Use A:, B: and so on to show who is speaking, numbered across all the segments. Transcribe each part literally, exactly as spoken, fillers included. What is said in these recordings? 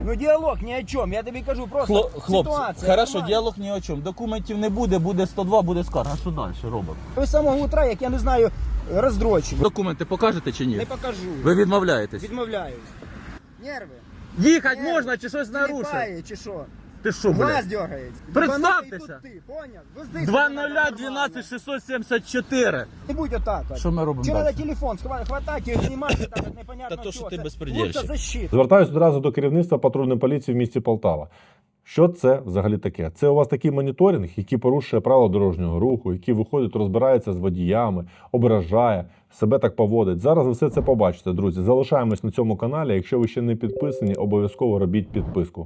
A: Ну діалог ні о чому, я тобі кажу, просто
B: Хло, хлопці,
A: ситуація.
B: хорошо,
A: нормальна.
B: діалог ні о чому. Документів не буде, буде сто два, буде скарга. А що далі робимо?
A: Ви з самого утра, як я не знаю, роздрочені.
B: Документи покажете чи ні?
A: Не покажу.
B: Ви відмовляєтесь?
A: Відмовляюсь. Нерви.
B: Їхати
A: Нерви.
B: можна чи щось нарушив?
A: Тіліпає, чи що?
B: Ти що,
A: Глаз
B: блядь?
A: дергається.
B: Представтеся.
A: Ти, поняв? Везди
B: два
A: себе
B: нуль
A: нормально.
B: дванадцять шістсот сімдесят чотири.
A: Не будь отак. от.
B: Що ми робимо
A: Чи
B: далі?
A: треба телефон хва- хватати і знімати так, от непонятно
B: Та то, що
A: що
B: ти
A: це.
B: безпредельщик.
A: Лучше защита.
C: Звертаюсь одразу до керівництва патрульної поліції в місті Полтава. Що це взагалі таке? Це у вас такий моніторинг, який порушує правила дорожнього руху, який виходить, розбирається з водіями, ображає, себе так поводить. Зараз ви все це побачите, друзі. Залишаємось на цьому каналі. Якщо ви ще не підписані, обов'язково робіть підписку.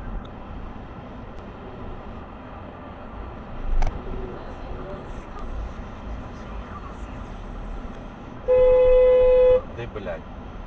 B: Ти, блядь.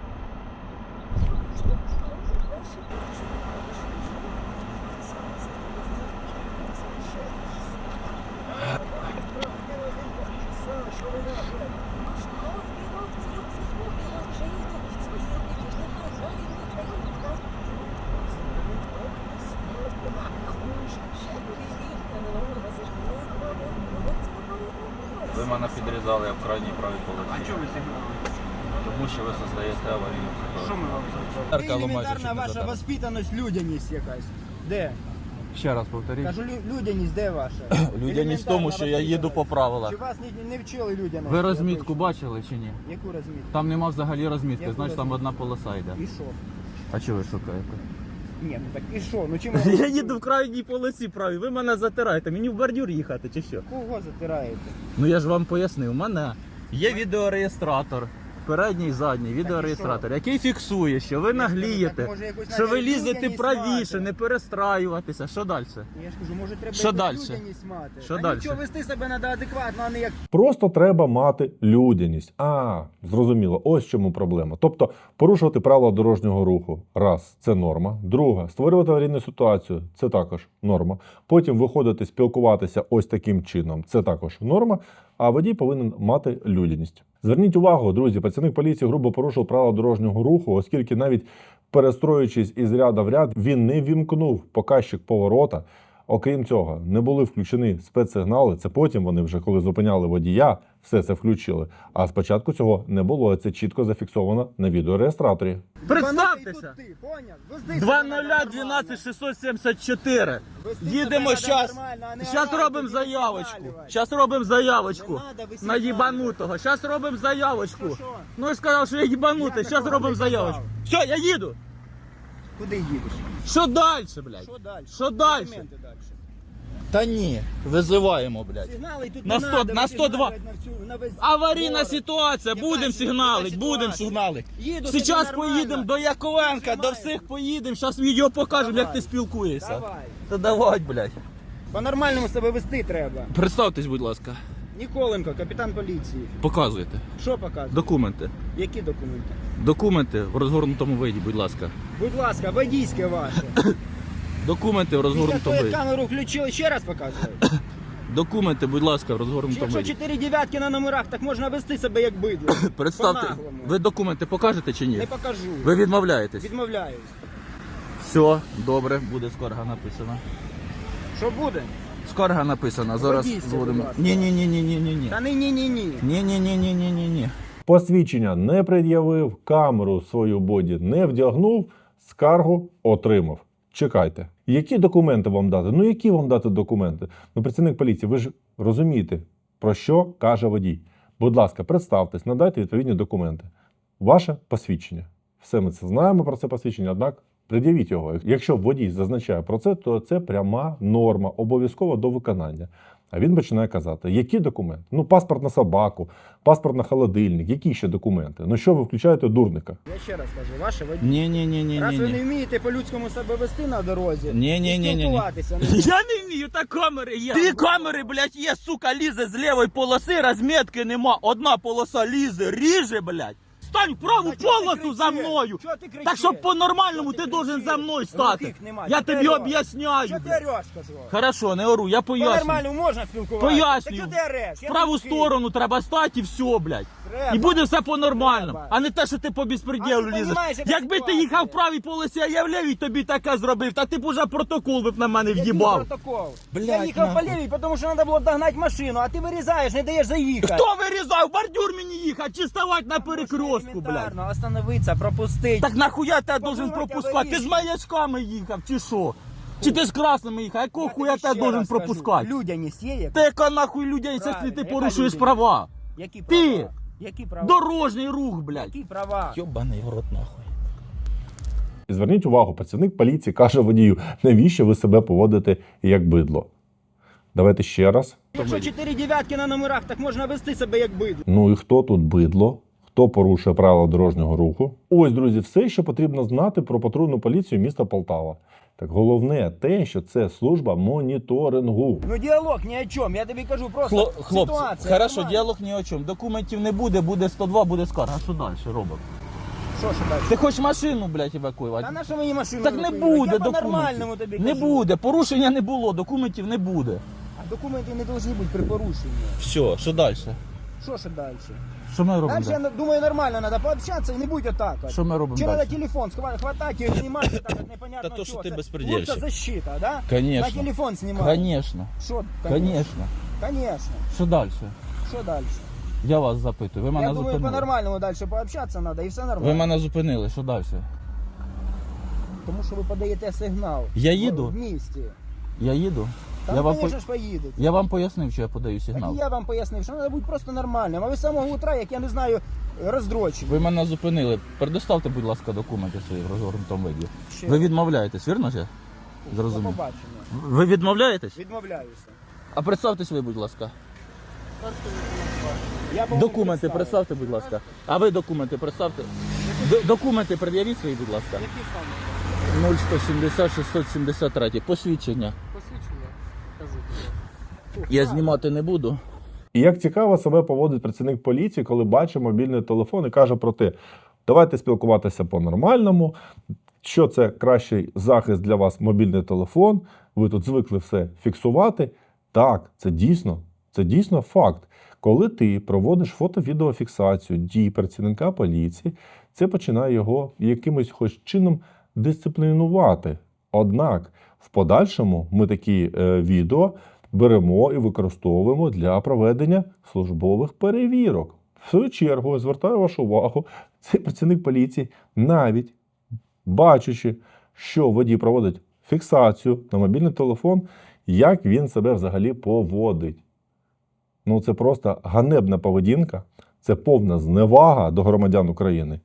B: Ви мене підрізали, я в крайній правій полосі.
A: А чого ви сигналите?
B: Тому що ви создаєте аварійну ситуацію.
A: Що ми робимо? Елементарна ваша воспитаність, людяність якась. Де?
B: Ще раз повторіть.
A: Кажу, лю- людяність де ваша?
B: Людяність в тому, що я їду по правилах.
A: Чи вас не, не вчили людяності?
B: Ви розмітку
A: обично?
B: бачили чи ні?
A: Яку розмітку?
B: Там нема взагалі розмітки,
A: Яку
B: значить там
A: розмітку?
B: одна полоса йде.
A: І що?
B: А чого ви шукаєте?
A: Ні, ну так і що? Ну чим ви...
B: Я їду в крайній полосі правій, ви мене затираєте, мені в бордюр їхати чи що?
A: Кого затираєте?
B: Ну я ж вам пояснив, у мене є відеореєстратор, передній і задній відеореєстратор, який фіксує, що ви наглієте,
A: так, може, якусь
B: що ви
A: навіть
B: лізете
A: людяність
B: правіше,
A: мати?
B: не перестраюватися. Що далі?
A: Я ж кажу, може треба
B: Що
A: якусь
B: дальше?
A: людяність мати.
B: Що
A: Та
B: дальше?
A: нічого, вести себе треба адекватно, а не як...
C: Просто треба мати людяність. А, зрозуміло, ось в чому проблема. Тобто порушувати правила дорожнього руху. Раз, це норма. Друга, створювати аварійну ситуацію. Це також норма. Потім виходити, спілкуватися ось таким чином. Це також норма. А водій повинен мати людяність. Зверніть увагу, друзі, працівник поліції грубо порушив правила дорожнього руху, оскільки навіть перестроюючись із ряда в ряд, він не вімкнув показчик поворота. Окрім цього, не були включені спецсигнали. Це потім вони вже, коли зупиняли водія, все це включили. А спочатку цього не було. Це чітко зафіксовано на відеореєстраторі.
B: Представтеся!
A: Ти, поняв? Везди
B: два
A: себе
B: нуль
A: нормально.
B: дванадцять шістсот сімдесят чотири.
A: Вести
B: Їдемо
A: себе
B: зараз.
A: нормально, а не
B: Зараз
A: орати,
B: робимо
A: не
B: заявочку.
A: висвалювати.
B: Зараз робимо заявочку.
A: Не надо висвалювати.
B: На їбанутого. Зараз робимо заявочку.
A: Що, що?
B: Ну я сказав, що я їбанутий.
A: Я
B: Зараз
A: такого
B: робимо
A: не казав.
B: заявочку. Все, я їду.
A: Куди їдеш?
B: Що далі, блядь?
A: Що далі?
B: Що далі?
A: Документи далі.
B: Та ні, визиваємо, блядь.
A: Сигнали тут
B: На
A: не
B: сто-
A: надо,
B: на
A: ви
B: сто два.
A: сигналять на всю- на весь
B: Аварійна
A: город.
B: ситуація,
A: Яка
B: будемо
A: ситуація?
B: сигналити, будемо
A: Ситуація?
B: сигналити.
A: Їду собі
B: Зараз
A: нормально.
B: поїдемо до Яковенка, до
A: Знімаю.
B: всіх поїдемо, зараз відео покажемо,
A: Давай.
B: як ти спілкуєшся.
A: Давай.
B: Та давай, блядь.
A: По-нормальному себе вести треба.
B: Представтесь, будь ласка.
A: Ніколенко, капітан поліції.
B: Показуйте.
A: Що показує?
B: Документи.
A: Які документи?
B: Документи в розгорнутому виді, будь ласка.
A: Будь ласка, водійське ваше.
B: Документи в
A: Після
B: розгорнутому
A: того, як
B: виді.
A: камеру включили, ще раз показую.
B: Документи, будь ласка, в розгорнутому
A: Якщо
B: виді.
A: чотири дев'ятки на номерах, так можна вести себе як бидло.
B: Представте,
A: По-наглому.
B: ви документи покажете чи ні?
A: Не покажу.
B: Ви відмовляєтесь?
A: Відмовляюсь.
B: Все, добре, буде скарга написана.
A: Що буде?
B: Скарга написана, зараз
A: Водійське,
B: зводимо.
A: будь ласка.
B: Ні, ні, ні, ні, ні, ні, ні.
A: Та ні, ні, ні, ні.
B: Ні, ні, ні, ні, ні, ні, ні.
C: Посвідчення не пред'явив, камеру свою боді не вдягнув, скаргу отримав. Чекайте. Які документи вам дати? Ну які вам дати документи? Ну, працівник поліції, ви ж розумієте, про що каже водій. Будь ласка, представтесь, надайте відповідні документи. Ваше посвідчення. Все ми це знаємо про це посвідчення, однак пред'явіть його. Якщо водій зазначає про це, то це пряма норма, обов'язково до виконання. А він починає казати, які документи? Ну, паспорт на собаку, паспорт на холодильник, які ще документи? Ну що ви включаєте дурника?
A: Я ще раз кажу, ваше водій.
B: Ні, ні, ні, ні,
A: Раз
B: ні,
A: ви не
B: ні.
A: вмієте по-людському себе вести на дорозі,
B: Ні, ні,
A: і
B: ні, ні, ні.
A: спілкуватися, ну,
B: Я не вмію, та камери є. Дві камери, блядь, є, сука, лізе з лівої полоси, розмітки нема. Одна полоса лізе, ріже, блядь. стань в праву
A: Та чого ти
B: полосу за
A: кричиш?
B: мною.
A: Чого ти кричиш?
B: Так щоб по-нормальному
A: Чого
B: ти
A: ти
B: должен
A: кричиш?
B: за мною стати.
A: Глухих нема.
B: Я
A: Чого ти
B: тобі
A: ореш?
B: об'ясняю.
A: Що ти
B: блядь.
A: ореш, кажу?
B: Хорошо, не ору, я поясню.
A: По-нормальному можна спілкуватися?
B: Пояснюю.
A: Так що ти ореш?
B: В
A: Я
B: праву
A: не такий.
B: сторону треба стати і все, блядь.
A: Треба.
B: І буде все по-нормальному.
A: Треба.
B: А не те, що ти по
A: А
B: безпреділу
A: ти
B: лізеш.
A: понімаєш, яка
B: Якби ти
A: ситуація?
B: їхав в правій полосі, а я в лівій тобі таке зробив, та ти б уже протокол би б на мене
A: Який
B: в'їбав.
A: протокол?
B: Блядь,
A: я їхав по
B: нахуй.
A: лівій, тому що треба було догнати машину, а ти вирізаєш, не даєш заїхати.
B: Хто вирізав? Бордюр мені їхати чи ставати на перекрестку, блядь?
A: Елементарно, остановитися, пропустити.
B: Так нахуя тебе должен
A: Подумайте,
B: пропускати? Ти з
A: аварійний.
B: маячками їхав, чи що? Чи ти з красними їхав? Якого хуя
A: тобі
B: тебе
A: ще
B: должен
A: раз скажу,
B: пропускати?
A: Людяність є яка?
B: Та яка нахуй людей, якщо
A: Правильно,
B: ти
A: яка
B: порушуєш
A: людяність?
B: права?
A: Які
B: Ти!
A: права? Які права?
B: Дорожній рух, блядь.
A: Які права?
B: Йобаний в рот нахуй.
C: І зверніть увагу, працівник поліції каже водію, навіщо ви себе поводите як бидло. Давайте ще раз.
A: Якщо чотири дев'ятки на номерах, так можна вести себе як бидло.
C: Ну і хто тут бидло? Хто порушує правила дорожнього руху? Ось, друзі, все, що потрібно знати про патрульну поліцію міста Полтава. Так головне те, що це служба моніторингу.
A: Ну діалог ні о чому, я тобі кажу просто
B: Хло, хлопці,
A: ситуація.
B: хорошо,
A: нормальна.
B: діалог ні о чому. Документів не буде, буде сто два, буде скарга. А що далі робимо?
A: Що ж далі?
B: Ти хочеш машину, блядь, евакуювати?
A: Та на що мені машину
B: Так не
A: евакуювати?
B: буде
A: Я по-нормальному
B: документів.
A: тобі
B: Не
A: кажу.
B: буде, порушення не було, документів не буде.
A: А документи не повинні бути при порушенні.
B: Все, що далі?
A: Що ж далі?
B: Що ми робимо
A: Дальше, я
B: далі?
A: думаю, нормально, треба пообщатися і не будь отак. от.
B: Що ми робимо
A: Чи
B: далі?
A: треба телефон схва- хватати і знімати так, от непонятно
B: Та то, що
A: чого.
B: ти
A: Це
B: безпредельщик.
A: лучша защита, да?
B: Конечно.
A: На телефон знімати.
B: Конечно,
A: Що?
B: конечно.
A: Конечно.
B: Що далі?
A: Що далі?
B: Я вас запитую, ви мене
A: Я думаю,
B: зупинили.
A: по-нормальному далі пообщатися треба і все нормально.
B: Ви мене зупинили, що далі?
A: Тому що ви подаєте сигнал.
B: Я їду?
A: В місті.
B: Я їду?
A: Там,
B: я, вам
A: звісно
B: по...
A: ж, поїдете.
B: я вам пояснив, що я подаю
A: Так
B: сигнал.
A: і я вам пояснив, що треба бути просто нормальним. А ви з самого утра, як я не знаю, роздрочені.
B: Ви мене зупинили. Предоставте, будь ласка, документи свої в розгорнутому виді.
A: Ще.
B: Ви відмовляєтесь, вірно ж? я?
A: До
B: Зрозумів.
A: побачення.
B: Ви відмовляєтесь?
A: Відмовляюся.
B: А представтесь ви, будь ласка.
A: Я б вам
B: Документи
A: представив.
B: представте, будь ласка. А ви документи представте. Д- документи пред'явіть свої, будь ласка.
A: Які саме?
B: нуль сто сімдесят шістсот сімдесят три. Посвідчення.
A: Посвідчення? Кажу.
B: Я знімати не буду.
C: І як цікаво себе поводить працівник поліції, коли бачить мобільний телефон і каже про те, давайте спілкуватися по-нормальному, що це кращий захист для вас мобільний телефон, ви тут звикли все фіксувати. Так, це дійсно, це дійсно факт. Коли ти проводиш фото-відеофіксацію дій працівника поліції, це починає його якимось хоч чином дисциплінувати. Однак, в подальшому ми такі е, відео беремо і використовуємо для проведення службових перевірок. В свою чергу, звертаю вашу увагу, цей працівник поліції, навіть бачачи, що водій проводить фіксацію на мобільний телефон, як він себе взагалі поводить. Ну, це просто ганебна поведінка, це повна зневага до громадян України.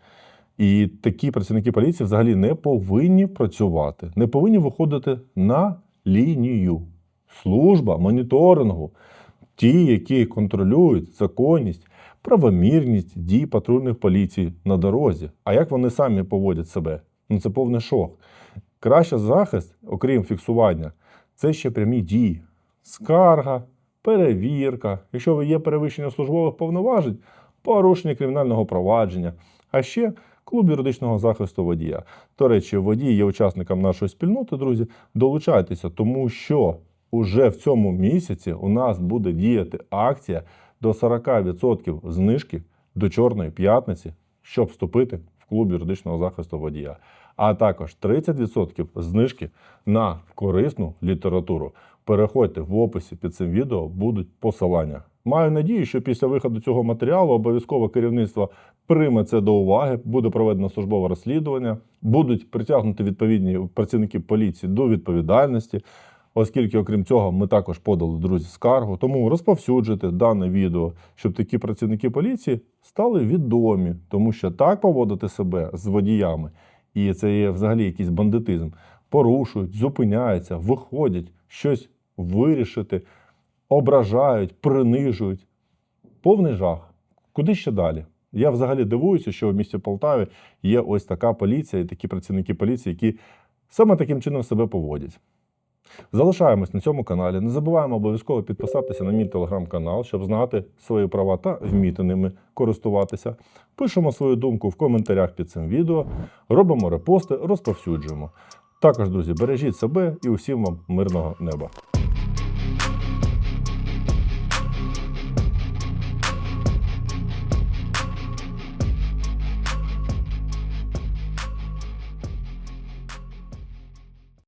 C: І такі працівники поліції взагалі не повинні працювати, не повинні виходити на лінію. Служба моніторингу, ті, які контролюють законність, правомірність дій патрульних поліцій на дорозі. А як вони самі поводять себе? Ну це повний шок. Кращий захист, окрім фіксування, це ще прямі дії. Скарга, перевірка, якщо ви є перевищення службових повноважень, порушення кримінального провадження, а ще клуб юридичного захисту водія. До речі, водій є учасником нашої спільноти, друзі, долучайтеся, тому що уже в цьому місяці у нас буде діяти акція до сорок відсотків знижки до Чорної п'ятниці, щоб вступити в клуб юридичного захисту водія. А також тридцять відсотків знижки на корисну літературу. Переходьте в описі під цим відео, будуть посилання. Маю надію, що після виходу цього матеріалу обов'язково керівництво прийме це до уваги, буде проведено службове розслідування, будуть притягнуті відповідні працівники поліції до відповідальності, оскільки, окрім цього, ми також подали, друзі, скаргу. Тому розповсюджуйте дане відео, щоб такі працівники поліції стали відомі, тому що так поводити себе з водіями, і це є взагалі якийсь бандитизм, порушують, зупиняються, виходять, щось вирішити, ображають, принижують. Повний жах. Куди ще далі? Я взагалі дивуюся, що в місті Полтаві є ось така поліція і такі працівники поліції, які саме таким чином себе поводять. Залишаємось на цьому каналі. Не забуваємо обов'язково підписатися на мій телеграм-канал, щоб знати свої права та вміти ними користуватися. Пишемо свою думку в коментарях під цим відео, робимо репости, розповсюджуємо. Також, друзі, бережіть себе і усім вам мирного неба.